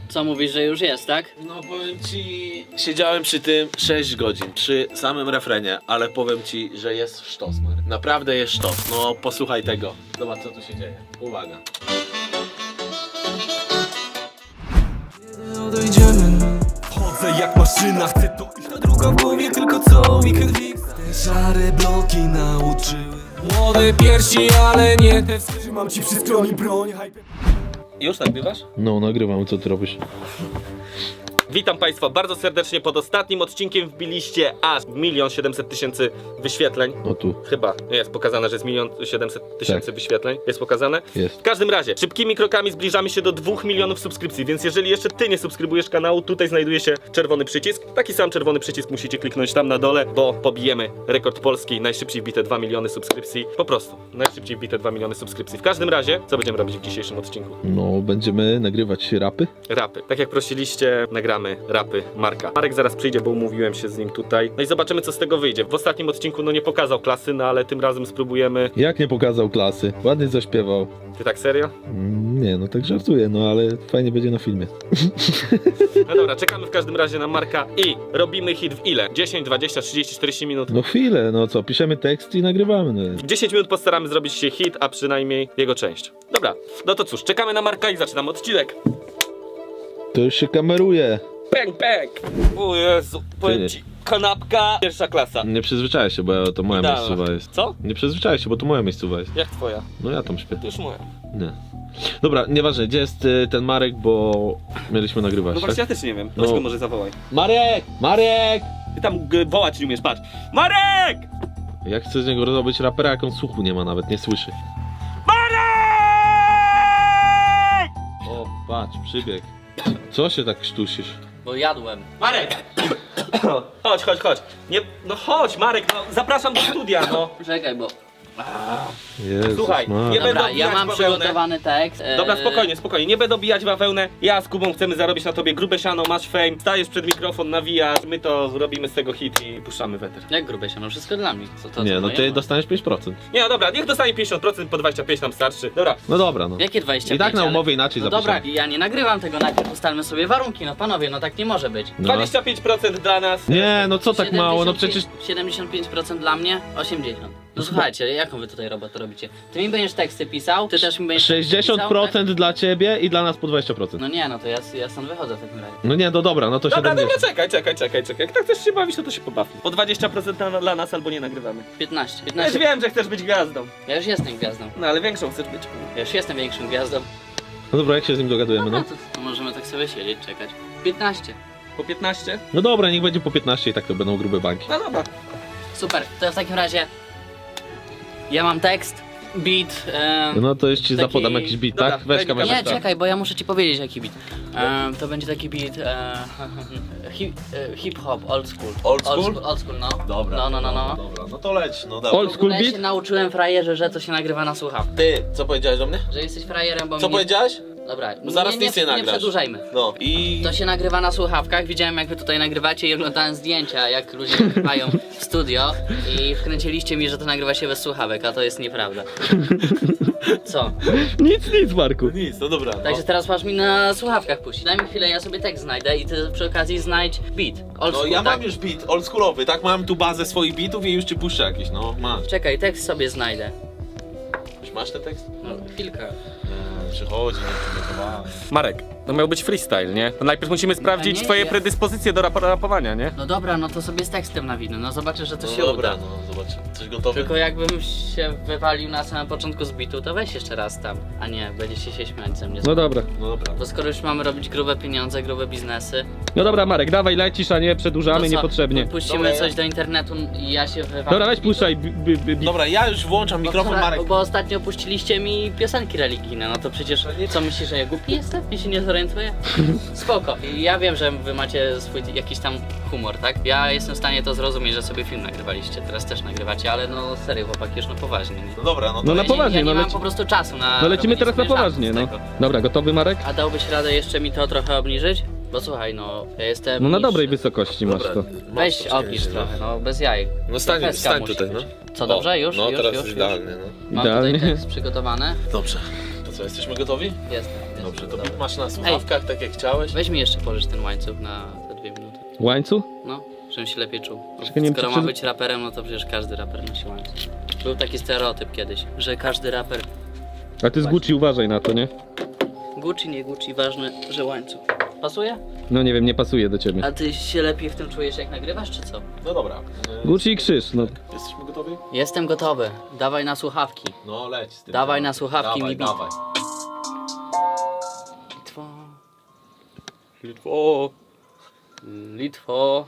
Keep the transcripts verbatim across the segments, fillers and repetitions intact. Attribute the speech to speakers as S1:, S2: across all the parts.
S1: Co mówisz, że już jest, tak?
S2: No powiem ci, siedziałem przy tym sześć godzin, przy samym refrenie, ale powiem ci, że jest sztos, Marek. Naprawdę jest sztos, no posłuchaj tego. Zobacz co tu się dzieje. Uwaga.
S3: Odejdziemy. Chodzę jak maszyna, chcę to iść. Ta druga w głowie, tylko co mi krwi. Te szare bloki nauczyły. Młode piersi, ale nie te. Trzymam ci przy skroni broń.
S2: Już nagrywasz?
S4: No, nagrywam, co ty robisz?
S2: Witam Państwa bardzo serdecznie. Pod ostatnim odcinkiem wbiliście aż milion siedemset tysięcy wyświetleń.
S4: No tu,
S2: Chyba jest pokazane, że jest milion siedemset tysięcy
S4: Tak.
S2: wyświetleń. Jest pokazane?
S4: jest.
S2: W każdym razie, szybkimi krokami zbliżamy się do dwóch milionów subskrypcji, więc jeżeli jeszcze ty nie subskrybujesz kanału, tutaj znajduje się czerwony przycisk. Taki sam czerwony przycisk musicie kliknąć tam na dole, bo pobijemy rekord Polski, najszybciej wbite dwa miliony subskrypcji. Po prostu, najszybciej wbite dwa miliony subskrypcji. W każdym razie, co będziemy robić w dzisiejszym odcinku?
S4: No, będziemy nagrywać rapy.
S2: Rapy. Tak jak prosiliście, nagramy rapy Marka. Marek zaraz przyjdzie, bo umówiłem się z nim tutaj. No i zobaczymy, co z tego wyjdzie. W ostatnim odcinku no nie pokazał klasy, no ale tym razem spróbujemy.
S4: Jak nie pokazał klasy? Ładnie zaśpiewał.
S2: Ty tak serio?
S4: Mm, nie, no tak żartuję, no ale fajnie będzie na filmie.
S2: No dobra, czekamy w każdym razie na Marka i robimy hit w ile? dziesięć, dwadzieścia, trzydzieści, czterdzieści minut?
S4: No chwilę, no co, piszemy tekst i nagrywamy. No.
S2: W dziesięć minut postaramy zrobić się hit, a przynajmniej jego część. Dobra, no to cóż, czekamy na Marka i zaczynamy odcinek.
S4: To już się kameruje.
S2: Pęk, pęk! O Jezu, powiem ci, kanapka, pierwsza klasa.
S4: Nie przyzwyczaj się, bo to moja
S2: Idealna.
S4: miejscowa jest.
S2: Co?
S4: Nie przyzwyczaj się, bo to moja miejscowa jest.
S2: Jak twoja?
S4: No ja tam śpię.
S2: To już moja.
S4: Nie. Dobra, nieważne, gdzie jest y, ten Marek, bo mieliśmy nagrywać,
S2: No
S4: tak?
S2: właśnie ja też nie wiem,
S4: No.
S2: weź go może zawołaj.
S4: Marek! Marek!
S2: Ty tam g- wołać nie umiesz, patrz. Marek!
S4: Jak chcę z niego robić rapera, jak on słuchu nie ma nawet, nie słyszy.
S2: Marek!
S4: O, patrz, przybieg. Co się tak sztusisz?
S1: Bo jadłem.
S2: Marek! Chodź, chodź, chodź. Nie, no chodź, Marek, no zapraszam do studia, no.
S1: Czekaj, bo...
S4: Jezus,
S2: Słuchaj,
S4: Marek.
S2: nie
S1: Dobra,
S2: będę
S1: ja
S2: obijać
S1: mam
S2: bawełnę.
S1: przygotowany tekst. e,
S2: Dobra, spokojnie, spokojnie, nie będę obijać bawełnę. Ja z Kubą chcemy zarobić na tobie grube siano, masz fame, stajesz przed mikrofon, nawijasz, my to robimy z tego hit i puszczamy weter.
S1: Jak grube się, no wszystko dla mnie. Co to,
S4: Nie,
S1: co
S4: no
S1: moje?
S4: ty dostaniesz pięć procent.
S2: Nie, no dobra, niech dostanie pięćdziesiąt procent, po dwadzieścia pięć nam starczy. Dobra,
S4: No dobra, no.
S1: Jakie dwadzieścia
S4: I tak
S1: pięć,
S4: na
S1: ale-
S4: umowie inaczej
S1: No
S4: zapiszemy.
S1: dobra, ja nie nagrywam tego, najpierw ustalmy sobie warunki, no panowie, no tak nie może być.
S4: No.
S2: dwadzieścia pięć procent dla nas.
S4: Nie, no co tak mało, no
S1: siedemdziesiąt pięć
S4: przecież...
S1: siedemdziesiąt pięć procent dla mnie, osiemdziesiąt. No słuchajcie, jaką wy tutaj robotę robicie? Ty mi będziesz teksty pisał, ty też mi będziesz
S4: sześćdziesiąt
S1: teksty pisał,
S4: procent dla ciebie i dla nas po dwadzieścia
S1: tak?
S4: procent.
S1: No nie, no to ja, ja stąd wychodzę w takim razie.
S4: No nie, no dobra, no to
S2: Dobra, dobra,
S4: siedemdziesiąt.
S2: czekaj, czekaj, czekaj, czekaj. Jak tak chcesz się bawić, no to się pobawi. Po dwadzieścia procent dla, dla nas albo nie nagrywamy.
S1: piętnaście.
S2: Ja już
S1: piętnaście.
S2: wiem, że chcesz być gwiazdą.
S1: Ja już jestem gwiazdą.
S2: No ale większą chcesz być.
S1: Ja już jestem większą gwiazdą.
S4: No dobra, jak się z nim dogadujemy,
S1: No
S4: no?
S1: to, to możemy tak sobie siedzieć, czekać. piętnaście.
S2: Po piętnaście?
S4: No dobra, niech będzie po piętnaście i tak to będą grube banki.
S2: No dobra.
S1: Super, to w takim razie ja mam tekst, beat. E,
S4: No to jeszcze ci
S1: Taki-
S4: zapodam jakiś beat,
S2: Dobra,
S4: tak? Weź
S2: daj mi
S4: kamerę.
S1: nie, czekaj, bo ja muszę ci powiedzieć jaki beat. E, to będzie taki beat e, hip, e, hip hop, old school.
S2: Old school?
S1: Old school, old school no. No, no, no, no.
S2: Dobra, no to leć, no
S4: Old
S2: dobra.
S1: W
S4: school
S1: ogóle się
S4: beat?
S1: nauczyłem frajerze, że to się nagrywa na słuchawkę.
S2: Ty, co powiedziałeś o mnie?
S1: Że jesteś frajerem, bo
S2: Co
S1: mnie...
S2: powiedziałeś?
S1: Dobra,
S2: Bo zaraz
S1: nie,
S2: nic nie
S1: nie, nie
S2: nagrasz.
S1: przedłużajmy.
S2: No i...
S1: To się nagrywa na słuchawkach, widziałem jak wy tutaj nagrywacie i oglądałem zdjęcia, jak ludzie nagrywają w studio i wkręciliście mi, że to nagrywa się bez słuchawek, a to jest nieprawda. Co?
S4: Nic, nic, Marku.
S2: Nic, no dobra. No.
S1: Także teraz masz mi na słuchawkach puścić. Daj mi chwilę, ja sobie tekst znajdę i ty przy okazji znajdź beat. Old
S2: No
S1: school,
S2: ja
S1: tak?
S2: mam już beat oldschoolowy, tak? Mam tu bazę swoich beatów i już ci puszczę jakiś, no masz.
S1: Czekaj, tekst sobie znajdę.
S2: Już masz ten tekst?
S1: No, chwilkę.
S2: Przychodzi, nie przygotowałem. Marek, to miał być freestyle, nie? To najpierw musimy sprawdzić
S1: nie,
S2: twoje
S1: ja-
S2: predyspozycje do rap rapowania, nie?
S1: No dobra, no to sobie z tekstem nawinę, no zobaczysz, że to
S2: No
S1: się
S2: dobra,
S1: uda.
S2: no zobacz, coś gotowe.
S1: Tylko jakbym się wywalił na samym początku z bitu, to weź jeszcze raz tam. A nie, będziecie się śmiać ze mnie.
S4: No dobra.
S2: No dobra.
S1: Bo skoro już mamy robić grube pieniądze, grube biznesy,
S4: No dobra, Marek, dawaj, lecisz, a nie przedłużamy
S1: to co?
S4: niepotrzebnie.
S1: Puścimy
S2: Dobra, ja-
S1: coś do internetu i ja się wywalę.
S4: Dobra, weź puszczaj. b- b- b- beat.
S2: Dobra, ja już włączam
S1: Bo,
S2: mikrofon,
S1: wczoraj-
S2: Marek.
S1: bo ostatnio puściliście mi piosenki religijne, no to przecież co myślisz, że ja głupi jestem? Ja się nie zorientuję? Spoko. I ja wiem, że wy macie swój jakiś tam humor, tak? Ja jestem w stanie to zrozumieć, że sobie film nagrywaliście, teraz też nagrywacie, ale no serio chłopaki, już no poważnie. Nie?
S2: No dobra, no to
S4: No na
S1: Ja nie-
S4: poważnie,
S1: ja nie
S4: no
S1: mam
S4: leci...
S1: po prostu czasu na
S4: No lecimy
S1: robienie
S4: teraz na
S1: sobie żartów
S4: poważnie,
S1: z
S4: no.
S1: tego.
S4: Dobra, gotowy, Marek?
S1: A dałbyś radę jeszcze mi to trochę obniżyć? Bo słuchaj, no ja jestem...
S4: No na
S1: niższy.
S4: dobrej wysokości masz to.
S1: Weź obniż trochę, no bez jajek.
S2: No stań,
S1: Trochę
S2: stań
S1: musi
S2: tutaj,
S1: być.
S2: no.
S1: Co, dobrze? Już?
S2: No
S1: już,
S2: teraz
S1: już,
S2: jest
S1: już.
S2: idealnie, no.
S1: Mam
S4: Idealnie.
S1: tutaj tekst przygotowany.
S2: Dobrze. To co, jesteśmy gotowi?
S1: Jestem.
S2: Dobra.
S4: Dobrze, to masz na słuchawkach, tak jak chciałeś.
S1: Weź mi jeszcze pożycz ten łańcuch na te dwie minuty.
S4: Łańcuch?
S1: No, żebym się lepiej czuł.
S4: Czekaj, nie wiem,
S1: Skoro
S4: czy
S1: mam
S4: przed-
S1: być raperem, no to przecież każdy raper nosi łańcuch. Był taki stereotyp kiedyś, że każdy raper
S4: A ty z Gucci uważaj na to, nie?
S1: Gucci, nie Gucci, ważne, że łańcuch. Pasuje?
S4: No nie wiem, nie pasuje do ciebie.
S1: A ty się lepiej w tym czujesz jak nagrywasz, czy co?
S2: No dobra.
S4: Gucci i krzyż, no.
S2: Jesteśmy gotowi?
S1: Jestem gotowy. Dawaj na słuchawki.
S2: No leć z tym.
S1: Dawaj na słuchawki
S2: Dawaj,
S1: mi bit.
S2: dawaj.
S1: Litwo. Litwo.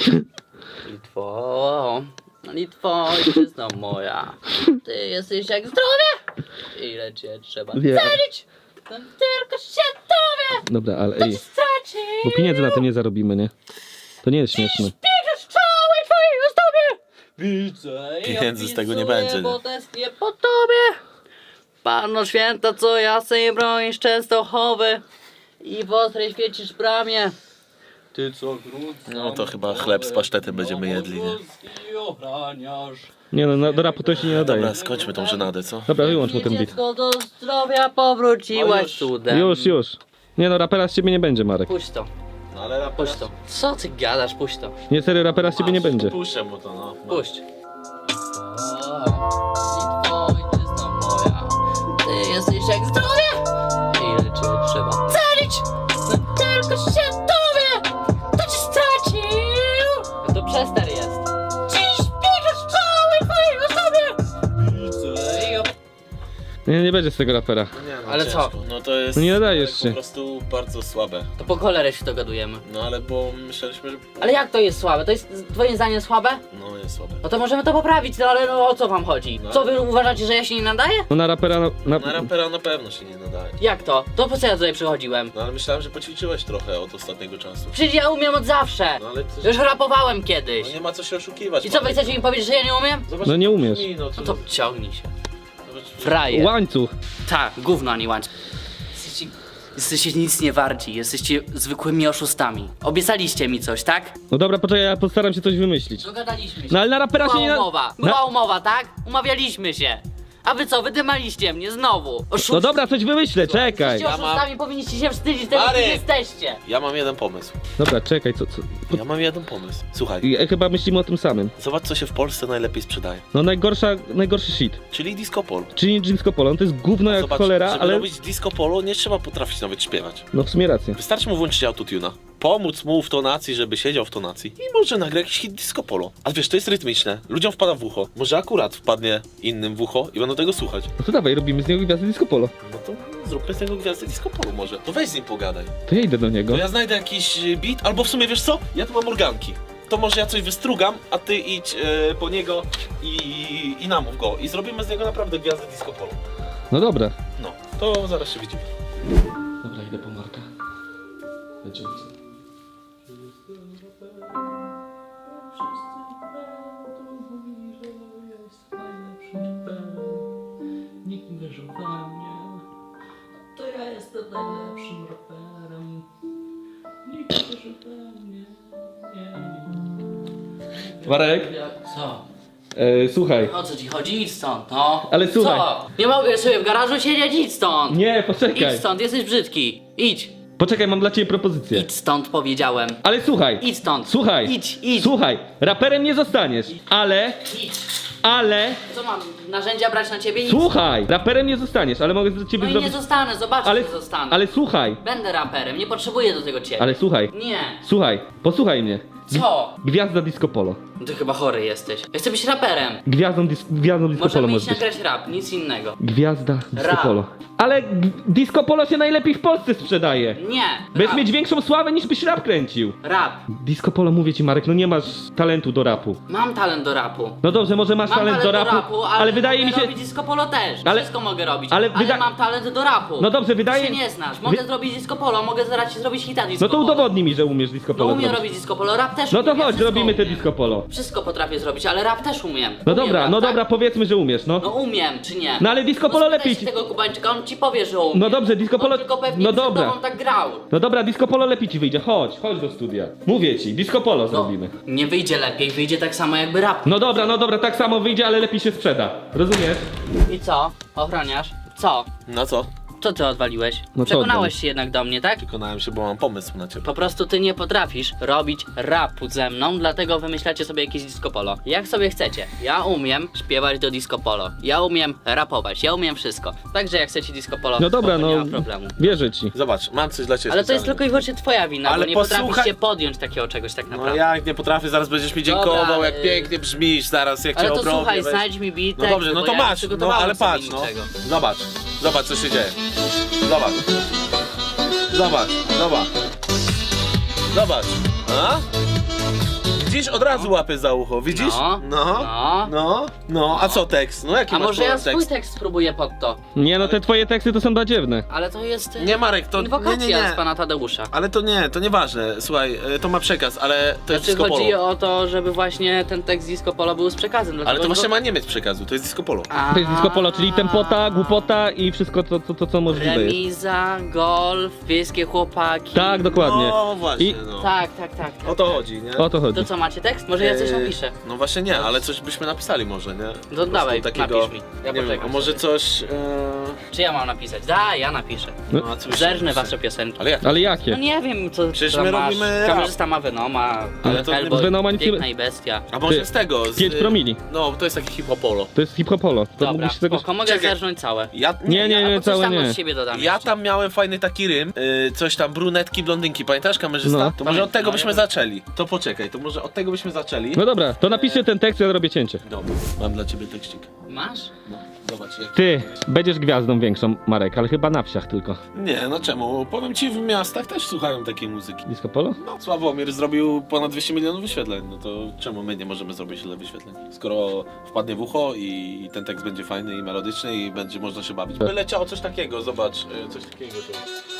S1: Litwo. Litwo. Litwo, ojczyzno moja. Ty jesteś jak zdrowie. Ile cię trzeba
S4: Wiem.
S1: cenić. To tylko się dowie.
S4: Dobra, ale
S1: To
S4: ej,
S1: ci straci.
S4: bo pieniędzy na tym nie zarobimy, nie? To nie jest śmieszne.
S1: Bierzesz całej twojej ozdobie. Widzę i
S5: Pieniędzy z tego nie
S1: opisuję,
S5: będzie, nie?
S1: bo tęsknię po tobie. Panno święta, co jasnej bronisz Częstochowy i w ostrej świecisz bramie. Ty co grudca,
S5: No to chyba chleb z pasztetem będziemy jedli, nie?
S1: nie? Ochraniasz.
S4: Nie no, na, do rapu to się nie nadaje.
S5: Dobra, skończmy tą żenadę, co?
S4: Dobra, wyłącz mu ten beat.
S1: Dziecko do zdrowia powróciłaś cudem.
S4: Już, już. Nie no, rapera z ciebie nie będzie, Marek.
S1: Puść to,
S5: No ale rapera...
S1: puść to. Co ty gadasz, puść to.
S4: Nie, serio, rapera z ciebie nie będzie.
S5: Puszczę mu to, no.
S1: Puść. Litwo, ojczyzno moja, ty jesteś jak zdrowie. Ile cię trzeba cenić, no tylko się dowie, to ci stracił. To przester jest. Dziś bierzesz całej twojej osobie. Widzę i op-
S4: Nie, nie będzie z tego rapera.
S5: Nie, no
S1: Ale
S5: ciężko.
S1: co?
S5: No to jest...
S4: No nie nadajesz
S5: po
S4: się.
S5: prostu bardzo słabe.
S1: To po cholerę się to gadujemy.
S5: No ale bo myśleliśmy, że...
S1: Ale jak to jest słabe? To jest twoim zdaniem słabe?
S5: No jest słabe.
S1: No to możemy to poprawić, no ale no o co wam chodzi? Co wy uważacie, że ja się nie nadaję?
S4: No na rapera, na, na,
S5: Na rapera na pewno się nie nadaje.
S1: Jak to? To po co ja tutaj przychodziłem?
S5: No ale myślałem, że poćwiczyłeś trochę od ostatniego czasu.
S1: Przecież ja umiem od zawsze.
S5: No ale to...
S1: Już rapowałem kiedyś.
S5: No nie ma co się oszukiwać.
S1: I co wy
S5: Marek.
S1: chcecie mi powiedzieć, że ja nie umiem?
S5: Zobacz,
S4: No nie
S5: jak
S4: umiesz.
S5: brzmi, No,
S1: No to ciągnij się.
S5: Zobacz,
S1: Frajer.
S4: łańcuch.
S1: Tak, gówno, a nie łańcuch. Jesteście, jesteście nic nie warci, jesteście zwykłymi oszustami. Obiecaliście mi coś, tak?
S4: No dobra, poczekaj, ja postaram się coś wymyślić.
S1: Dogadaliśmy się.
S4: No ale na rapera się
S1: Była
S4: nie...
S1: umowa,
S4: Na...
S1: była umowa, tak? Umawialiśmy się. A wy co, wydymaliście mnie znowu. Oszuści.
S4: No dobra, coś wymyślę, czekaj.
S1: Jesteście
S5: Ja mam-
S1: oszustami, powinniście się wstydzić tego,
S5: Marek!
S1: kim jesteście.
S5: Ja mam jeden pomysł.
S4: Dobra, czekaj, co... co...
S5: Ja mam jeden pomysł. Słuchaj,
S4: Ja chyba myślimy o tym samym.
S5: zobacz co się w Polsce najlepiej sprzedaje.
S4: No najgorsza, najgorszy shit.
S5: Czyli disco polo.
S4: Czyli disco polo, no to jest gówno jak
S5: Zobacz,
S4: cholera,
S5: żeby
S4: ale...
S5: robić disco polo nie trzeba potrafić nawet śpiewać.
S4: No w sumie rację.
S5: Wystarczy mu włączyć autotuna, pomóc mu w tonacji, żeby siedział w tonacji i może nagra jakiś hit disco polo. Ale wiesz, to jest rytmiczne, ludziom wpada w ucho. Może akurat wpadnie innym w ucho i będą tego słuchać.
S4: No to dawaj, robimy z niego gwiazdę disco polo.
S5: No to zróbmy z tego gwiazdę disco polo może. To weź z nim pogadaj.
S4: To ja idę do niego.
S5: To ja znajdę jakiś y, beat, albo w sumie wiesz co? Ja tu mam organki. To może ja coś wystrugam, a ty idź e, po niego i, i namów go. I zrobimy z niego naprawdę gwiazdę disco polo.
S4: No dobra.
S5: No, to zaraz się widzimy.
S4: Dobra, idę po Marka. Będzie
S1: Nikt nie wierzył we mnie. To ja jestem najlepszym raperem. Nikt nie wierzył we mnie.
S4: Marek,
S1: Co?
S4: e, słuchaj.
S1: O co ci chodzi? Idź stąd, no.
S4: Ale słuchaj.
S1: Co? Nie mogę sobie w garażu siedzieć? Idź stąd.
S4: Nie, poczekaj.
S1: Idź stąd, jesteś brzydki. Idź.
S4: Poczekaj, mam dla ciebie propozycję.
S1: Idź stąd, powiedziałem.
S4: Ale słuchaj.
S1: Idź stąd.
S4: Słuchaj.
S1: Idź, idź.
S4: Słuchaj, raperem nie zostaniesz, ale,
S1: Idź.
S4: ale,
S1: Co mam? Narzędzia brać na ciebie? Idź.
S4: słuchaj, raperem nie zostaniesz, ale mogę dla ciebie
S1: No i nie
S4: zrobić...
S1: zostanę, zobacz,
S4: Ale,
S1: że zostanę.
S4: ale słuchaj,
S1: Będę raperem, nie potrzebuję do tego ciebie.
S4: ale słuchaj,
S1: Nie.
S4: słuchaj, posłuchaj mnie.
S1: Co?
S4: Gwiazda disco polo.
S1: Ty chyba chory jesteś. Ja chcę być raperem.
S4: Gwiazdą, dis gwiazdą disco polo
S1: Możemy
S4: możesz
S1: iść
S4: być.
S1: nagrać rap, nic innego.
S4: Gwiazda disco
S1: Rap.
S4: polo. Ale g- disco polo się najlepiej w Polsce sprzedaje.
S1: Nie.
S4: Będziesz
S1: Rap.
S4: mieć większą sławę niż byś rap kręcił.
S1: Rap.
S4: Disco polo, mówię ci Marek, no nie masz talentu do rapu.
S1: Mam talent do rapu.
S4: No dobrze, może masz
S1: Mam
S4: talent do rapu,
S1: ale,
S4: ale wydaje
S1: mogę
S4: mi się...
S1: robić disco polo też.
S4: Ale-
S1: Wszystko mogę robić.
S4: ale
S1: Ale,
S4: wyda-
S1: mam talent do rapu.
S4: No dobrze, wydaje-
S1: Ty się nie znasz. Mogę
S4: Wy-
S1: zrobić disco polo, mogę zaraz ci zrobić hita disco
S4: No to
S1: polo.
S4: udowodnij mi, że umiesz disco
S1: No
S4: polo
S1: umiem
S4: zrobić.
S1: robić disco polo, rap też
S4: No to
S1: umiem. ja
S4: chodź,
S1: wszystko
S4: zrobimy te
S1: umiem.
S4: disco polo.
S1: Wszystko potrafię zrobić, ale rap też umiem.
S4: No
S1: Umiem
S4: dobra,
S1: rap,
S4: no
S1: tak?
S4: dobra, powiedzmy, że umiesz, no.
S1: No umiem, czy nie?
S4: No ale disco polo
S1: No
S4: lepiej
S1: spytaj
S4: ci...
S1: się tego Kubańczyka, on ci powie, że umie.
S4: No dobrze, disco polo-
S1: On tylko pewnie
S4: no
S1: przed
S4: dobra.
S1: tobą tak grał.
S4: No dobra, disco polo lepiej ci wyjdzie, chodź, chodź do studia. Mówię ci, disco polo
S1: No,
S4: zrobimy.
S1: nie wyjdzie lepiej, wyjdzie tak samo jakby rap.
S4: No dobra, no dobra, tak samo wyjdzie, ale lepiej się sprzeda. Rozumiesz?
S1: I co? Ochroniarz? Co?
S5: No co?
S1: Co ty odwaliłeś?
S4: No co
S1: Przekonałeś się jednak do mnie, tak?
S5: Przekonałem się, bo mam pomysł na ciebie.
S1: Po prostu ty nie potrafisz robić rapu ze mną, dlatego wymyślacie sobie jakieś disco polo. Jak sobie chcecie. Ja umiem śpiewać do disco polo. Ja umiem rapować, ja umiem wszystko. Także jak chcecie disco polo,
S4: No dobra,
S1: spoko, nie
S4: no
S1: ma problemu.
S4: wierzę ci.
S5: Zobacz, mam coś dla ciebie.
S1: Ale to jest
S5: specjalnego.
S1: tylko i wyłącznie twoja wina,
S5: Ale
S1: bo nie
S5: posłuchaj-
S1: potrafisz się podjąć takiego czegoś tak
S5: No
S1: naprawdę.
S5: jak nie potrafię, zaraz będziesz mi dziękował,
S1: Dobra,
S5: jak
S1: y-
S5: pięknie brzmisz, zaraz jak
S1: Ale
S5: cię
S1: to
S5: obrobię.
S1: słuchaj,
S5: weź.
S1: znajdź mi beat.
S5: No dobrze, no
S1: bo
S5: to
S1: ja nie
S5: masz, no
S1: przygotowałem
S5: ale
S1: sobie
S5: patrz, no.
S1: niczego.
S5: Zobacz, zobacz co się dzieje. Zobacz. Zobacz, zobacz. Zobacz. A? Widzisz, od razu łapy za ucho, widzisz?
S1: No,
S5: no,
S1: no.
S5: no, no. A co tekst? No jaki
S1: A
S5: masz
S1: może ja
S5: tekst?
S1: swój tekst spróbuję pod to.
S4: Nie no, te twoje teksty to są badziewne.
S1: Ale to jest y,
S5: Nie Marek, to nie,
S1: inwokacja
S5: nie, nie.
S1: z pana Tadeusza.
S5: Ale to nie, to nieważne. Słuchaj, y, to ma przekaz, ale to jest
S1: Znaczy
S5: disco
S1: chodzi
S5: polo.
S1: o to, żeby właśnie ten tekst disco polo był z przekazem.
S5: Ale
S1: dlatego
S5: to właśnie
S1: go-
S5: ma nie mieć przekazu, to jest disco polo.
S1: A-
S4: To jest disco polo, czyli tempota, głupota i wszystko to, to, to co możliwe jest.
S1: Remiza, golf, wiejskie chłopaki.
S4: Tak, dokładnie.
S5: No właśnie,
S4: I-
S5: no.
S1: Tak, tak, tak. tak.
S5: O to chodzi, nie?
S4: O to chodzi.
S1: To co, macie tekst? Może ja coś
S5: Eee,
S1: napiszę.
S5: No właśnie nie, ale coś byśmy napisali może, nie? Po prostu
S1: dawaj, napisz mi. Ja
S5: nie wiem,
S1: poczekam
S5: a może
S1: sobie.
S5: coś... Eee...
S1: Czy ja mam napisać? Da, ja napiszę.
S5: No, a co byś
S1: Zerżnę
S5: napisał?
S1: wasze piosenki.
S5: Ale jak?
S4: Ale
S1: No
S4: jakie?
S1: nie wiem, co
S5: Przecież
S1: tam
S5: my
S1: masz.
S5: robimy
S1: Kamerzysta ma Venoma,
S5: Ale to nie-
S1: Hellboy,
S4: z Venoma nic nie-
S1: Piękna i Bestia.
S5: A może
S4: Ty,
S5: z tego, z...
S4: pięć promili.
S5: No, to jest taki hip-hopolo.
S4: To jest hip-hopolo. To
S1: Dobra,
S4: mógłbyś tego...
S1: spoko, mogę
S5: Czekaj.
S1: zerżnąć całe.
S5: Ja,
S4: Nie, nie,
S5: ja,
S4: nie,
S1: Albo coś
S4: całe
S1: tam
S4: nie.
S1: od siebie dodam
S5: ja
S1: jeszcze.
S5: tam miałem fajny taki rym, yy, coś tam brunetki, blondynki, pamiętasz kamerzysta?
S4: No.
S5: To może od tego
S1: No,
S5: byśmy
S1: ja-
S5: zaczęli. To poczekaj, to może od tego byśmy zaczęli.
S4: No dobra, to napiszcie ten tekst, ja zrobię cięcie.
S5: Dobra, mam dla ciebie tekstik.
S1: Masz?
S5: No, zobacz jak...
S4: Ty, będziesz gwiazdą większą, Marek, ale chyba na wsiach tylko.
S5: Nie, no czemu? Powiem ci, w miastach też słuchają takiej muzyki.
S4: Disco polo?
S5: No, Sławomir zrobił ponad dwieście milionów wyświetleń, no to czemu my nie możemy zrobić tyle wyświetleń? Skoro wpadnie w ucho i ten tekst będzie fajny i melodyczny i będzie można się bawić. By leciało coś takiego, zobacz, y, coś takiego tu.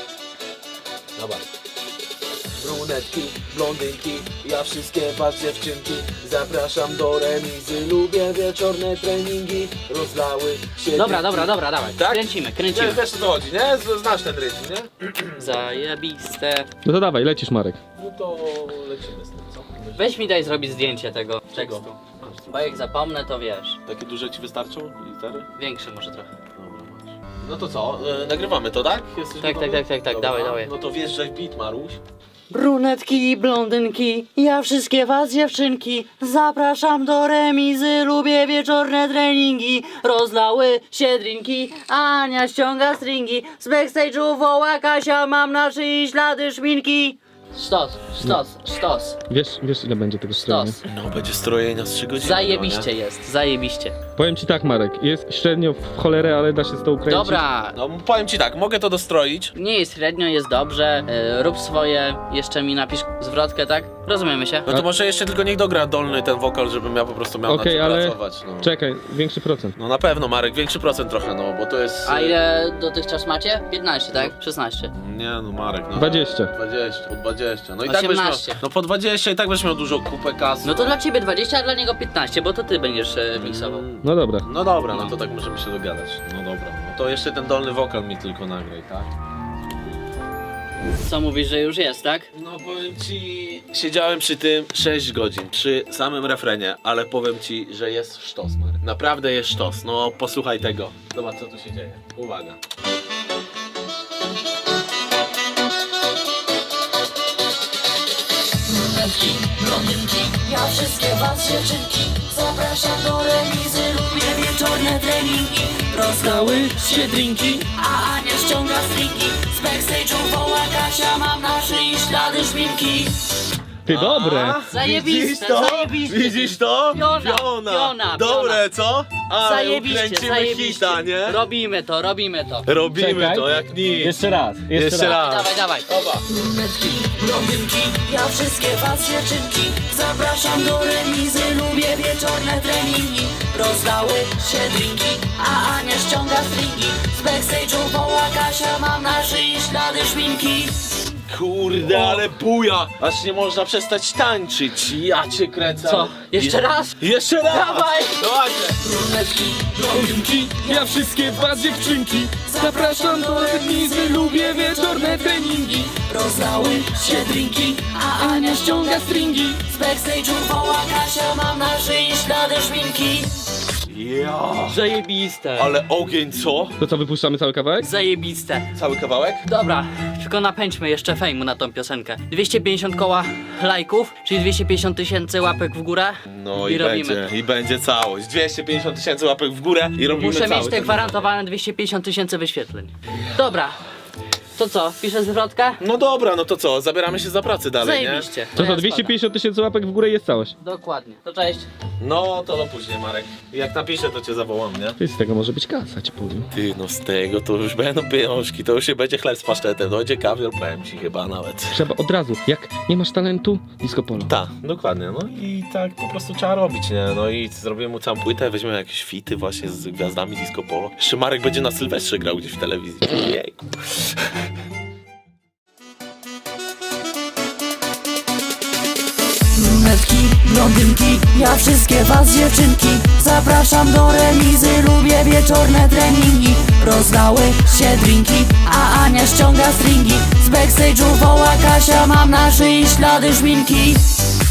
S5: Zobacz. Brunetki, blondynki, ja wszystkie was dziewczynki zapraszam do remizy, lubię wieczorne treningi, rozlały się...
S1: Dobra, dobra, dobra, dawaj.
S5: Tak?
S1: Kręcimy,
S5: Nie,
S1: kręcimy.
S5: wiesz o co chodzi, nie? Z- Znasz ten rytm, nie?
S1: Zajebiste.
S4: No to dawaj, lecisz, Marek.
S5: No to lecimy z tym, co?
S1: Weź mi daj zrobić zdjęcie tego
S5: Czego?
S1: tekstu. Bo jak zapomnę, to wiesz.
S5: Takie duże ci wystarczą litery?
S1: Większy może trochę.
S5: Dobra, masz. No to co, e, nagrywamy to, tak? Jesteś
S1: Tak,
S5: gotowy?
S1: tak, tak, tak, tak,
S5: Dobra.
S1: dawaj, dawaj.
S5: No to wjeżdżaj w beat, Maruś.
S1: Brunetki i blondynki, ja wszystkie was dziewczynki zapraszam do remizy, lubię wieczorne treningi. Rozlały się drinki, Ania ściąga stringi, z backstage'u woła Kasia, mam na szyi ślady szminki. Sztos, sztos, sztos,
S4: Wiesz, wiesz ile będzie tego strojenia?
S1: sztos.
S5: No, będzie strojenia z trzy godziny.
S1: Zajebiście jest, zajebiście.
S4: Powiem ci tak, Marek, jest średnio w cholerę, ale da się z tą ukręcić.
S1: Dobra,
S5: No, powiem ci tak, mogę to dostroić.
S1: nie jest średnio, jest dobrze, e, rób swoje, jeszcze mi napisz zwrotkę, tak? Rozumiemy się?
S5: No to może jeszcze tylko niech dogra dolny ten wokal, żebym ja po prostu miał
S4: Okej,
S5: na czym
S4: ale-
S5: pracować. No.
S4: Czekaj, większy procent.
S5: no na pewno, Marek, większy procent trochę, no, bo to jest...
S1: A ile dotychczas macie? piętnaście, tak? szesnaście.
S5: Nie no, Marek, no.
S4: dwadzieścia.
S5: dwadzieścia, po dwadzieścia. No i tak będziesz miał...
S1: osiemnaście.
S5: No po dwadzieścia i tak będziesz miał dużo kupę kasy.
S1: No to dla ciebie dwadzieścia, a dla niego piętnaście, bo to ty będziesz e, miksował.
S5: Mm,
S4: No dobra.
S5: No dobra, no to tak możemy się dogadać. No dobra, no to jeszcze ten dolny wokal mi tylko nagraj, tak?
S1: Co mówisz, że już jest, tak?
S5: No powiem ci, siedziałem przy tym sześć godzin, przy samym refrenie, ale powiem ci, że jest sztos, Marek. Naprawdę jest sztos, no posłuchaj tego. Zobacz co tu się dzieje. Uwaga.
S6: Brunetki, blondynki, ja wszystkie was dziewczynki zapraszam do remizy, lubię wieczorne treningi. Rozdały się drinki, a Ania ściąga stringi, z backstage'u woła Kasia, mam na szyi ślady szminki.
S4: Ty, dobre!
S1: Zajebiste,
S5: Widzisz to?
S1: zajebiste.
S5: Widzisz to?
S1: Piona, piona,
S5: Dobre, co? Ale
S1: Zajebiście,
S5: ukręcimy
S1: zajebiście.
S5: hita, nie?
S1: Robimy to, robimy to.
S5: Robimy
S4: Czekaj.
S5: to jak nic.
S4: Jeszcze raz, jeszcze,
S5: Jeszcze
S4: raz.
S5: raz.
S1: Dawaj, dawaj.
S5: Oba.
S6: Brunetki, blondynki, ja wszystkie was dziewczynki zapraszam do remizy, lubię wieczorne treningi. Rozdały się drinki, a Ania ściąga stringi, z backstage'u woła Kasia, mam na szyi ślady szminki.
S5: Kurde, ale buja! Aż nie można przestać tańczyć. Ja cię kręcę.
S1: Co? Jeszcze raz?
S5: Jeszcze raz!
S1: Dawaj!
S5: Dawajcie!
S6: Brunetki, blondynki,
S4: Ja wszystkie was dziewczynki zapraszam do remizy, lubię wieczorne treningi.
S6: rozdały się drinki, a Ania ściąga stringi, z backstage'u woła Kasia, mam na szyi ślady szminki.
S5: Ja.
S1: Zajebiste.
S5: Ale ogień, co?
S2: To co, wypuszczamy cały kawałek?
S1: Zajebiste.
S5: Cały kawałek?
S1: Dobra, tylko napędźmy jeszcze fejmu na tą piosenkę. dwieście pięćdziesiąt koła lajków, czyli dwieście pięćdziesiąt tysięcy łapek w górę.
S5: No
S1: I
S5: i,
S1: robimy
S5: będzie, i będzie całość. dwieście pięćdziesiąt tysięcy łapek w górę i robimy
S1: Muszę
S5: całość.
S1: mieć te gwarantowane dwieście pięćdziesiąt tysięcy wyświetleń. Dobra, to co, piszę zwrotkę?
S5: No dobra, no to co, zabieramy się za pracę dalej,
S1: Zajebiście.
S2: To
S1: ja
S2: co, dwieście pięćdziesiąt tysięcy łapek w górę jest całość.
S1: spadam. Dokładnie, to cześć.
S5: nie? No to do później, Marek. Jak napiszę, to cię zawołam, nie?
S2: Ty, z tego może być kasa, ci powiem.
S5: Ty, no z tego to już będą pieniążki, to już się będzie chleb z pasztetem, dojdzie kawior, powiem ci chyba nawet.
S2: Trzeba od razu, jak nie masz talentu, disco polo.
S5: Tak, dokładnie, no i tak po prostu trzeba robić, nie? No i zrobimy mu całą płytę, weźmiemy jakieś fity właśnie z gwiazdami disco polo. Jeszcze Marek będzie na Sylwestrze grał gdzieś w telewizji. Jejku.
S6: Brunetki, blondynki, ja wszystkie was dziewczynki zapraszam do remizy, lubię wieczorne treningi. Rozdały się drinki, a Ania ściąga stringi. Z backstage'u woła Kasia, mam na szyi ślady szminki.